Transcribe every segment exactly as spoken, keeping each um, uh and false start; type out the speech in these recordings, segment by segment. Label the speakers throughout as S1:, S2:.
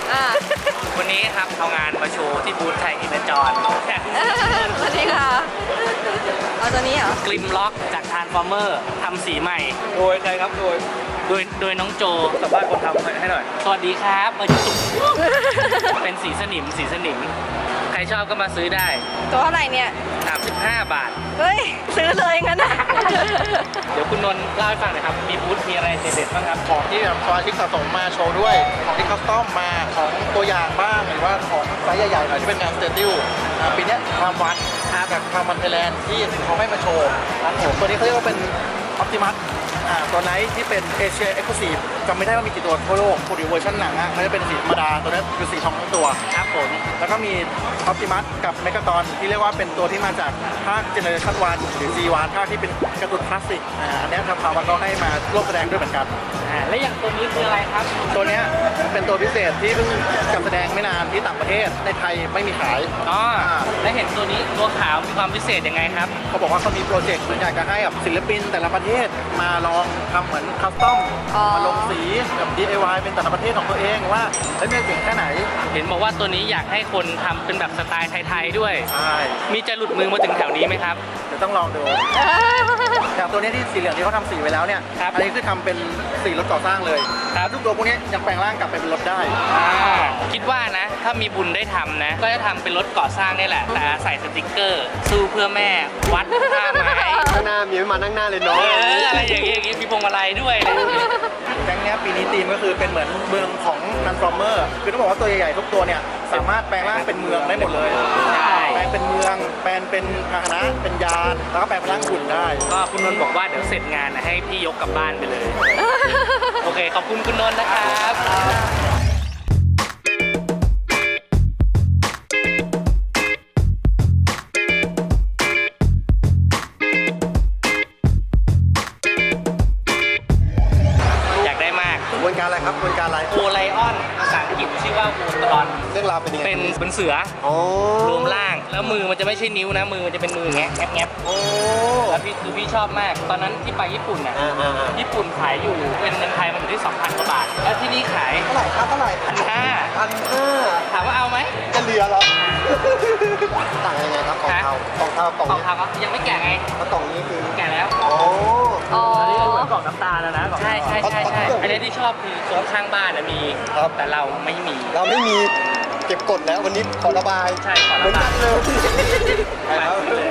S1: วันนี้ครับเอางานมาโชว์ที่บูธไทยอินเตอร์จอน
S2: สวัสดีค่ะเอาตัวนี้เหรอก
S1: ลิมล็อกจากทานฟอร์เมอร์ทำสีใหม่
S3: โดยใครครับโดย
S1: โดยโดยน้องโจ
S3: สัมภาษณ์คนทำให้หน่อย
S1: สวัสดีครับมาจุ๊บเป็นสีสนิมสีสนิมใครชอบก็มาซื้อได้
S2: ตัวเท่าไหร่เนี่ย
S1: สามสิบห้าบาท
S2: เฮ้ยซื้อเลยงั้นนะ
S1: เดี๋ยวคุณนนท์เล่าให้ฟังหน่อยครับมีบูธมีอะไรเด็ดๆบ้างครับ
S3: ของที่แบบสมาชิกสะสมมาโชว์ด้วย ของที่คัสตอมมาของตัวอย่างบ้างหรือว่าของไซส์ใหญ่ๆหน่อยที่เป็นงานสเตติลปีนี้ความวันแบบความวันไทยแลนด์ที่เขาให้มาโชว์ครับผมตัวนี้เขาเรียกว่าเป็นออ t ติมัสตัวไหนที่เป็นเอเชียเอ็กซ์คลูซีฟจำไม่ได้ว่ามีกี่ตัวทั่วโลกพูดถึงเวอร์ชันหนังอ่ะมันจะเป็นสีธรรมดาตัวนี้คือสีทองทั้งตัว
S1: ครับผม
S3: แล้วก็มีออ t ติมัสกับเมกาตอนที่เรียกว่าเป็นตัวที่มาจากภาคเจเนอเรชั่นวันหรือ จี วัน ภาคที่เป็นการ์ตูนคลาสสิกอ่าอันนี้ทางพาวันก็ให้มาร่วมแสดงด้วยเหมือนกัน
S1: อ่าและอย่างตัวนี้คืออะไรครับ
S3: ตัวเนี้ยเป็นตัวพิเศษที่เพิ่งจัดแสดงไม่นานที่ต่างประเทศในไทยไม่มีขาย
S1: อ๋อและเห็นตัวนี้ตัวขาวมีความพิเศษยังไงครับ
S3: เขาบอกว่าเขามีโปรเจกต์เหมือนอยากจะให้กับศิลปินแต่ละประเทศมาลองทำเหมือนคัสตอม
S2: อ๋อ
S3: มาลงสีแบบ ดี ไอ วาย เป็นแต่ละประเทศของตัวเองว่าเฮ้ยมันเก่งแค่ไหน
S1: เห็นบอกว่าตัวนี้อยากให้คนทำเป็นแบบสไตล์ไทยๆด้วย
S3: ใช่
S1: มีจะหลุดมือมาถึงแถวนี้ไหมครับ
S3: เดี๋ยวต้องลองดูอย่างตัวเนี้ยที่สีเหลืองที่เขาทำสีไว้แล้วเนี่ย
S1: ครับ
S3: อันนี้คือทำเป็นสีรถก่อสร้างเลย
S1: ครับ
S3: ทุกตัวพวกนี้ยังแปลงร่างกลับไปเป็นรถได้
S1: อ่าคิดว่านะ ถ้ามีบุญได้ทำนะ ก็จะทำเป็นรถก่อสร้างนี่แหละ แต่ใส่สติกเกอร์ สู้เพื่อแม่วัดท่าไม้
S4: ข้างหน้ามีไม่มานั่งหน้าเลย
S1: เอ
S4: เนาะ
S1: ออะไรอย่างเงี้ยอย่างงี้มีพวงมาลัยด้วยนะ
S3: แก๊งเนี้ยปีนี้ธีมก็คือเป็นเหมือนเมืองของ Transformer คือต้องบอกว่าตัวใหญ่ๆทุกตัวเนี่ยสามารถแปลงร่างเป็นเมืองได้หมดเลย
S1: ใช่
S3: แปลงเป็นเมือง แปลงเป็นพาหนะ เป็นยาน แล้วก็แปลงเป็นร่างหุ่นได้
S1: ก็คุณนนท์บอกว่าเดี๋ยวเสร็จงานนะให้พี่ยกกลับบ้านไปเลย โอเค ขอบคุณคุณนนท์นะครับ อยากได้มาก
S3: กระบวนการอะไรครับกระบวนการอะไร
S1: โอไลออนภาษาอังกฤษชื่อว่าโวตรอน
S3: เรื่องราวเป็นยังไง
S1: เป็นเป็นเสือ
S4: โอ้
S1: รวมร่าง แล้วมือมันจะไม่ใช่นิ้วนะ มือมันจะเป็นมือแงะแงะแงะ
S3: โอ้
S1: แล้วพี่คือพี่ชอบมาก ตอนนั้นที่ไปญี่ปุ่นน่ะ
S4: อ่าอ่าอ่า
S1: ญี่ปุ่นขายอยู่เป็นเงินไทยมันอยู่ที่สองพันกว่าบาท แล้วที่นี่ขาย
S3: เท่าไหร่ครับเท่าไหร่
S1: พันห้า
S4: พันห้า
S1: ถามว่าเอาไหม
S4: จะเหลือเหรอ ต่างกันยังไงครับกล่องเทากล่องเทากล่อง
S1: กล่อง
S4: นี้
S1: ทางก็ยังไม่แก่ไง
S4: แล้วกล่องนี้คือ
S1: แก่แล้ว
S4: โอ้
S2: อ๋อ
S3: กล่องน้ำตาลนะนะ
S1: ใช่ใช่ใช่ใช่อันนี้ที่ชอบคือโซนข้างบ้านนะมี
S4: ครับ
S1: แต่เราไม่มี
S4: เราไม่มีเก็บกดแล้ววันนี้ขอระบาย
S1: ใช่ขอ
S4: เหมื
S1: ระ
S4: อน
S1: บา
S4: กั
S1: ย
S4: นเลย
S1: ไปเลย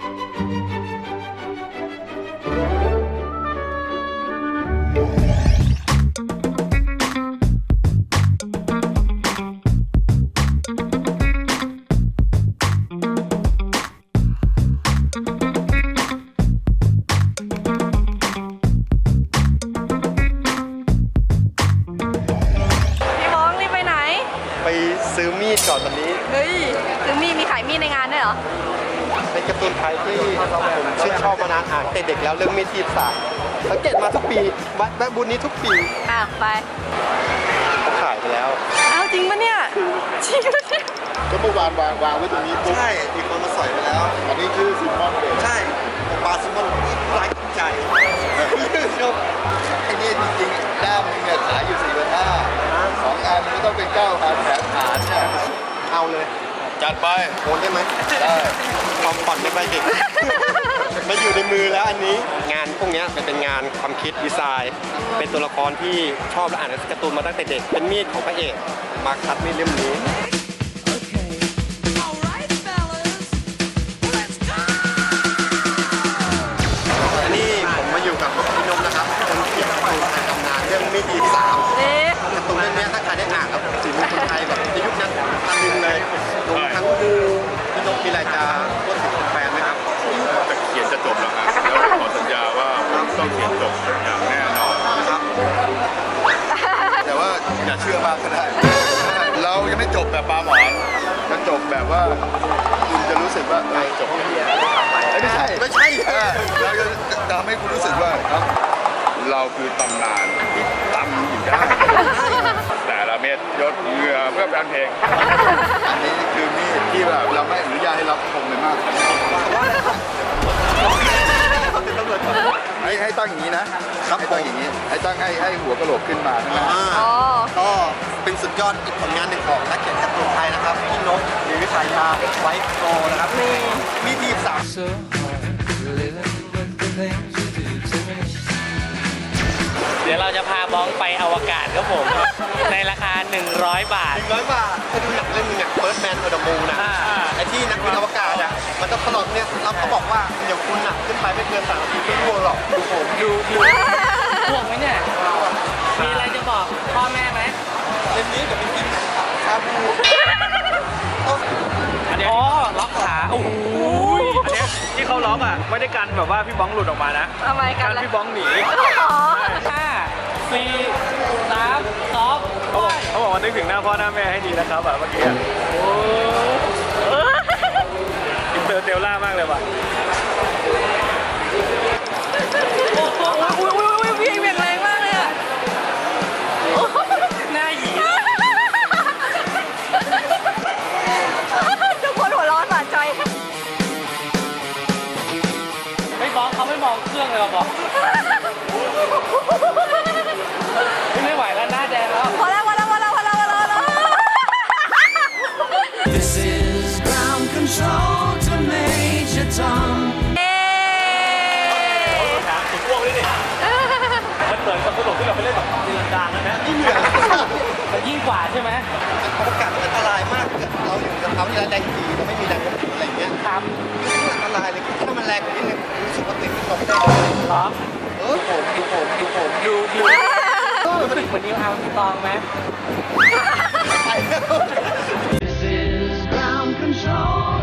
S2: พี่มองรีบไปไหน
S4: ไปซื้อมีดก่อนวันนี้
S2: เฮ้ยซื้อมีดมีขายมีดในงานด้วยเหรอ
S4: เป็นการ์ตูนไทยที่ผมชื่นชอบมานานอ่านแต่เด็กแล้วเรื่องมีดทีบสามสังเกตมาทุกปีวัดแวะบุญนี้ทุกปี
S2: อ่ะไป
S4: เขาขายไปแล้ว
S2: อ้าวจริงปะเนี่ย จริงปะเนี่ย
S5: ก็เมื่อวานวางวางไว้ตรงนี้ปุ๊บ
S4: ใช่มีคนมาสอยไปแล้ว
S5: อันนี้ชื่อซิมมอนเดช
S4: ใช่ปลาซิมอนไร้ใจชอบ
S5: ไอ้เนี่ยจริงๆด้ามนึงเนี่ยขายอยู่สี่พันห้าสองอันมันก็ต้องเป็นเก้าพันแถมฐานเนี่ย
S4: เอาเลย
S5: จัดไป
S4: โอนได้ไหม
S5: ได้
S4: ความฝันไม่ไปเด็ก มาอยู่ในมือแล้วอันนี้ งานพวกเนี้ยมันเป็นงานความคิดดีไซน์ เป็นตัวละครที่ชอบและอ่านการ์ตูนมาตั้งแต่เด็ก เป็นมีดของพระเอก มาคัดมีดเล่มนี้ อันนี้ผมมาอยู่กับพี่นมนะครับ คนเขียนการ์ตูนในตำนานเรื่องมีดดีสาม
S2: เอ๊ะ
S4: การ์ตูนเรื่องนี้ถ้าใครได้อ่านครับสีมือคนไทยแบบในยุคนั้นตะลึงเลยรวมทั้งดูพี่นกมีอะไรจะพูดถึงแฟนไหมครับ
S5: จะเขียนจะจบแล้วครับแล้วขอสัญญาว่าต้องเขียนจบอย่างแน่นอน
S4: นะครับ
S5: แต่ว่าอย่าเชื่อมากก็ได้ เรายังไม่จบแบบปลาหมอนจะจบแบบว่าคุณจะรู้สึกว่าเออจบแค่นี้เอ้ยไม่ใช่
S4: ไม่ใช่
S5: เออเราจะทำให้คุณรู้สึกว่าเราคือตำนานที่ตำอยู่ได้แต่ละเม็ดยศเหงื่อเพื่อแฟนเพลง อันนี้คือมีดที่แบบเราไม่อนุญาตให้รับชมเลยมาก
S4: ตำรวจ
S5: ให้ให้ตั้งอย่างนี้นะครับ ให้ตั้งอย่างนี้ ให้ตั้งให้ให้หัวกะโหลกขึ้นมาใช่ไหม
S2: อ๋อ
S4: ก็เป็นสุดยอดอีกผลงานหนึ่งของนักเขียนการ์ตูนไทยนะครับพี่นกมีวิชายาไว้โตนะครับมีทีมสาม
S6: so hard living with the things you do to me.
S1: เดี๋ยวเราจะพาบ้องไปอวกาศครับผม ในราคา หนึ่งร้อยบาท
S4: หนึ่งร้อยบาทถ้าดูหนังเรื่องนึงเนี่ย First Man on the Moon นะ
S1: อ่า
S4: ไอ้ที่นักบินอวกาศอ่ะมันต้องตลอดเนี่ยเราเขาบอกว่าเดี๋ยวคุณหนักขึ้นไปไม่เกินสามนาทีไม่ร่วงหรอกดูผม
S1: ดูดูห่วงไหมเนี่ย มีอะไรจะบอกพ่อแม่ไหม
S4: เล่มนี้เดี๋ยวไปกินชาบู
S1: อ๋อ ล็อกขา โอ้โห
S7: อันเนี้ยที่เขาล็อกอ่ะไม่ได้กันแบบว่าพี่บ้องหลุดออกมานะ
S2: ทำไมกัน
S7: กัน
S2: ล่ะ
S7: พี่บ้องหนี
S2: อ๋อ
S1: ห้าสี่สามสอง
S7: เขาบอกเขาบอกว่านึกถึงหน้าพ่อหน้าแม่ให้ดีนะครับแบบเมื่อกี้อะอินเตอร์เตลล่ามากเลยว่ะ
S2: อุ้ยอุ้ยอุ้ยพี่เบี่ยงแรงมากเลยอ่ะ
S1: หน้าหยี
S2: ทุกคนหัวเร้อนหวานใจ
S1: ไม่บ้องเขาไม่มองเครื่องเลยหรอบอกไม่ไหวแล้วหน้าแดงแล้ว
S2: พอแล้วพอแล้วพอแล้วพอแล้วพอแล้วพอแล้ว
S6: This is ground control to Major Tom.
S2: เอ๊ะ
S7: ถามถึงพวกนี้ดิมันเหมือนกับตลกที่เราไปเล่นแบบตีลังกานะนะ
S4: นี่เหนื่อย
S1: มันยิ่งกว่าใช่ไหม
S4: อวกาศมันอันตรายมากเราอยู่กับเขาที่แรงดีเราไม่มีแรงโน้มถ่วงอะไรอย่างเงี้ย
S1: ท
S4: อันตรายเลยถ้ามันแรงกว่านี้เนี่ยรู้สึกว่าตัวเองเป็นลมได้
S1: ำเหรอ
S4: เออผมดูผมดูผม
S1: ดูดูเหมือนนิวอาร์มสตรองไหม
S6: This is ground control.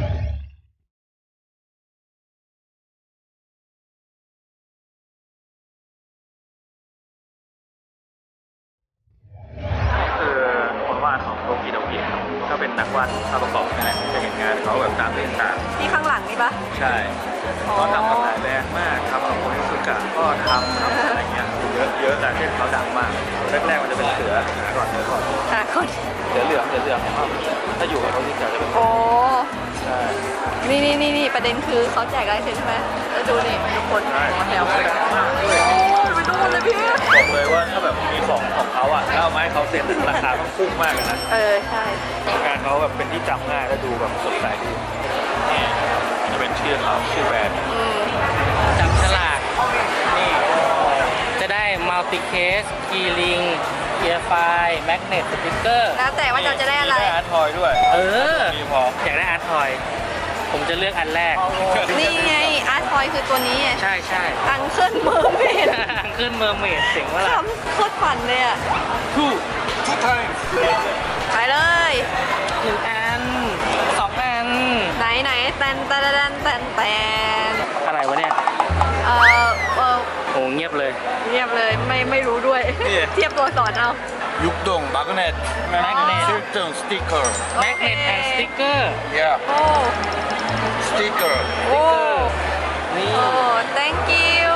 S7: คือคนวาดของโตกิโดกิครับก็เป็นนักวาดภาพประกอบนั่นแหละจะเห็นงานเขาแบบตามเรื่องต่าง
S2: ที่ข้างหลังนี่ปะ
S7: ใช่เขาทำกับหลายแบรนด์มากทำกับโคนิสุกะก็ทำทำอะไรเงี้ยเยอะเยอะแต่ที่เขาดังมากแรกๆมันจะเป็นเสือก่อนเสือก่อน
S2: หาคน
S7: เสือเหลืองเสือเหลืองครับถ้าอยู่กับเขาที่จะจะเป็น
S2: โอ้
S7: ใช่
S2: นี่นี่นี่นี่ประเด็นคือเขาแจกลายเซ็นใช่ไหมแล้วดูนี่ทุกคนมาแถวกันโอ้ยไปดูหมดเลยพี่
S7: บอกเลยว่าถ้าแบบมีของของเขาอ่ะถ้าเอามาให้เขาเซ็นราคาต้องพุ่งมากเลยนะ
S2: เออ ใช่
S7: งานเขาแบบเป็นที่จำง่ายและดูแบบสดใสดีนี่จะเป็นชื่อเขาชื่อแบรนด์
S2: อืม
S1: จับฉลากนี่จะได้มัลติเคสคีย์ลิงเกียร์ไฟแมกเนตสติ๊กเกอร์
S2: แล้วแต่ว่าเราจะได้อะไร
S7: มีอาร์ตทอยด้วย
S1: เออ
S7: มีพอ
S1: อยากได้อาร์ตทอย ผมจะเลือกอันแรก
S2: นี่ไงอาร์ตทอยคือตัวนี้ไง
S1: ใช่ใช่
S2: อังเคิลเมอร์เมด
S1: ขึ้นเมอร์เมดเสียงว่าล่ะ
S2: ทำโคตรฝันเลยอ่ะ
S1: ทู่
S7: ทุกทาง
S2: ไปเลย
S1: หนึ่งอันสองอัน
S2: ไหนไหนแตนแตนแตนแตนแตน
S1: อะไรวะเนี่ย
S2: เออเออ
S1: โอ้เงียบเลย
S2: เงียบเลยไม่ไม่รู้ด้วย เทียบตัวสอนเอา
S5: ยุกดงมาร์กเนต
S1: Magnet
S5: ชื่อเจิงสติ๊กเกอร์
S1: แมกเนตแอนด์สติ๊กเกอร์
S5: yeah
S2: โอ้
S5: สติ๊กเกอร์
S2: โอ้
S1: นี่
S2: โอ้ thank you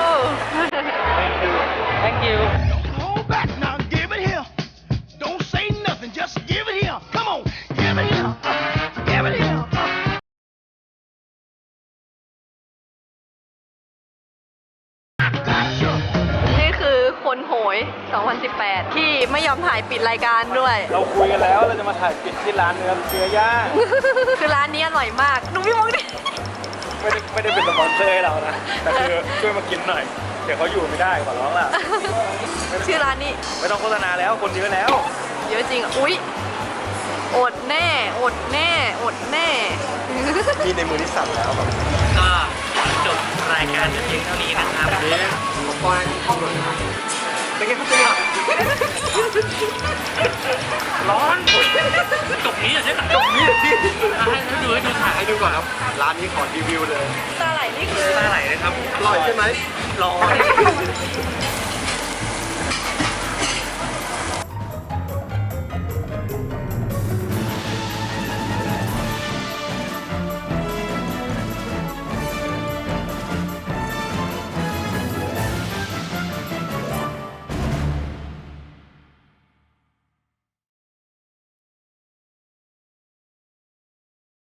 S1: thank you
S8: Hold back now, give it here. Don't say nothing, just give it here. Come on, give it here. Give it here.
S2: นี่คือคนโหย สองพันสิบแปด ที่ไม่ยอมถ่ายปิดรายการด้วย
S7: เราคุยกันแล้วเราจะมาถ่ายปิดที่ร้านเนื้อเนื้อย่าง
S2: คือร้านนี้อร่อยมากดูพี่มองดิ
S7: ไม่ได้ไม่ได้เป็นสปอนเซอร์ให้เรานะแต่คือช่วยมากินหน่อย เดี๋ยวเขาอยู่ไม่ได้ขอร้องล่ะ
S2: ชื่อร้านนี้
S7: ไม่ต้องโฆษณาแล้วคนเยอะแล้ว
S2: เยอะจริงอ่ะอุ๊ย อดแน่ อดแน่ อดแน่
S4: มีในมือที่สั่นแล้วแบบ
S1: ก็จบรายการเพียงเท่านี้นะครับ
S4: เป็นไงครับเป็นไง
S1: ร้อนจบนี้อ่ะใช่ไหมจบนี้พี่ให้ให้ดูให้ดูถ่าย
S4: ให้ดูก่อนครับ ร้านนี้ขอรีวิวเลย
S2: ตาไหลนี่คือ
S1: ตาไหลนะครับ
S4: อร่อยใช่ไหม
S1: ร้อน